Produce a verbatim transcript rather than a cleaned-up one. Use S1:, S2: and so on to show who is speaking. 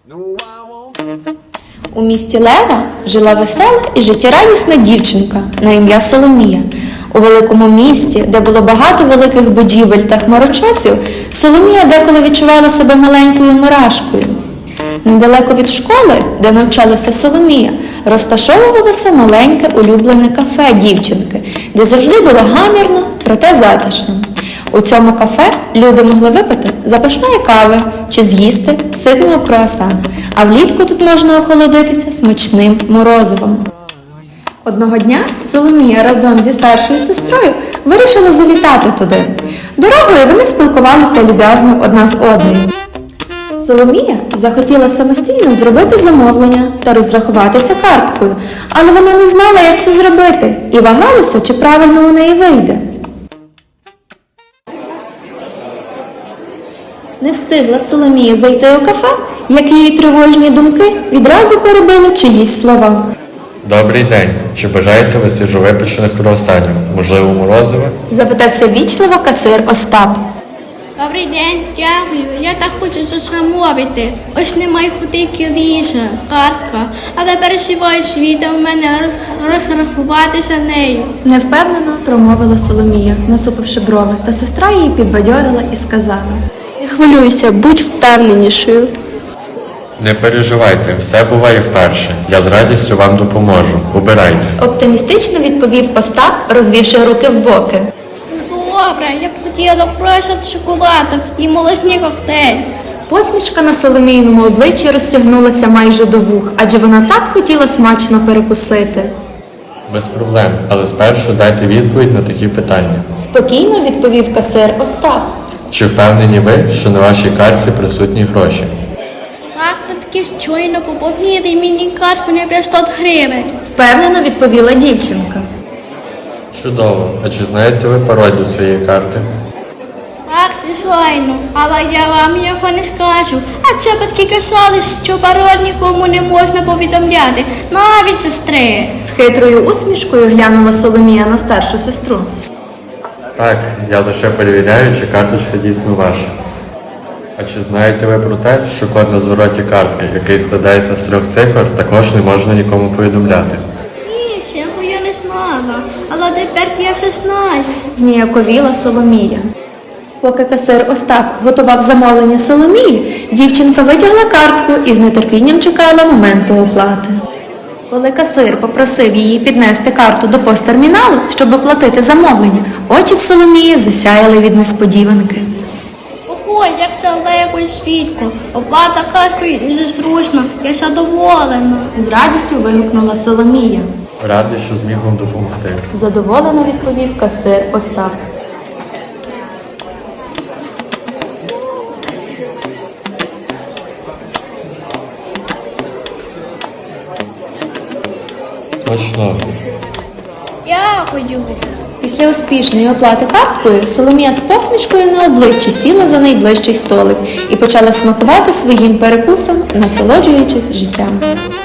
S1: У місті Лева жила весела і життєрадісна дівчинка на ім'я Соломія. У великому місті, де було багато великих будівель та хмарочосів, Соломія деколи відчувала себе маленькою мурашкою. Недалеко від школи, де навчалася Соломія, розташовувалося маленьке улюблене кафе дівчинки, де завжди було гамірно, проте затишно. У цьому кафе люди могли випити запашної кави чи з'їсти ситного круасана, а влітку тут можна охолодитися смачним морозивом. Одного дня Соломія разом зі старшою сестрою вирішила завітати туди. Дорогою вони спілкувалися люб'язно одна з одною. Соломія захотіла самостійно зробити замовлення та розрахуватися карткою, але вона не знала, як це зробити, і вагалася, чи правильно у неї вийде. Не встигла Соломія зайти у кафе, як її тривожні думки відразу перебили чиїсь слова.
S2: Добрий день. Чи бажаєте ви свіжовипечених круасанів? Можливо, морозива?
S1: Запитався вічливо касир Остап.
S3: Добрий день, дякую. Я так хочу щось замовити. Ось немає хутинки ріжа, картка, але переживаю світа в мене розрахуватися нею.
S1: Невпевнено промовила Соломія, насупивши брови, та сестра її підбадьорила і сказала.
S4: Не хвилюйся, будь впевненішою.
S2: Не переживайте, все буває вперше. Я з радістю вам допоможу. Обирайте.
S1: Оптимістично відповів Остап, розвівши руки в боки.
S3: Добре, я б хотіла просто шоколаду і молочний коктейль.
S1: Посмішка на Соломійному обличчі розтягнулася майже до вух, адже вона так хотіла смачно перекусити.
S2: Без проблем, але спершу дайте відповідь на такі питання.
S1: Спокійно відповів касир Остап.
S2: Чи впевнені ви, що на вашій картці присутні гроші?
S3: Так, таки щойно поповнити мені картку на п'ятсот гривень.
S1: Впевнено відповіла дівчинка.
S2: Чудово. А чи знаєте ви пароль до своєї карти?
S3: Так, звичайно, але я вам його не скажу. А це батьки казали, що пароль нікому не можна повідомляти, навіть сестри.
S1: З хитрою усмішкою глянула Соломія на старшу сестру.
S2: Так, я лише перевіряю, чи карточка дійсно ваша. А чи знаєте ви про те, що код на звороті картки, який складається з трьох цифр, також не можна нікому повідомляти?
S3: Ні, цього я не знала, але тепер я все знаю.
S1: Зніяковіла Соломія. Поки касир Остап готував замовлення Соломії, дівчинка витягла картку і з нетерпінням чекала моменту оплати. Коли касир попросив її піднести карту до посттерміналу, щоб оплатити замовлення, очі в Соломії засяяли від несподіванки.
S3: Ого, як це легко і швидко. Оплата карткою дуже зручно, я задоволена.
S1: З радістю вигукнула Соломія.
S2: Радий, що зміг вам допомогти.
S1: Задоволено відповів касир Остап.
S2: Смачно.
S3: Дякую.
S1: Після успішної оплати карткою Соломія з посмішкою на обличчі сіла за найближчий столик і почала смакувати своїм перекусом, насолоджуючись життям.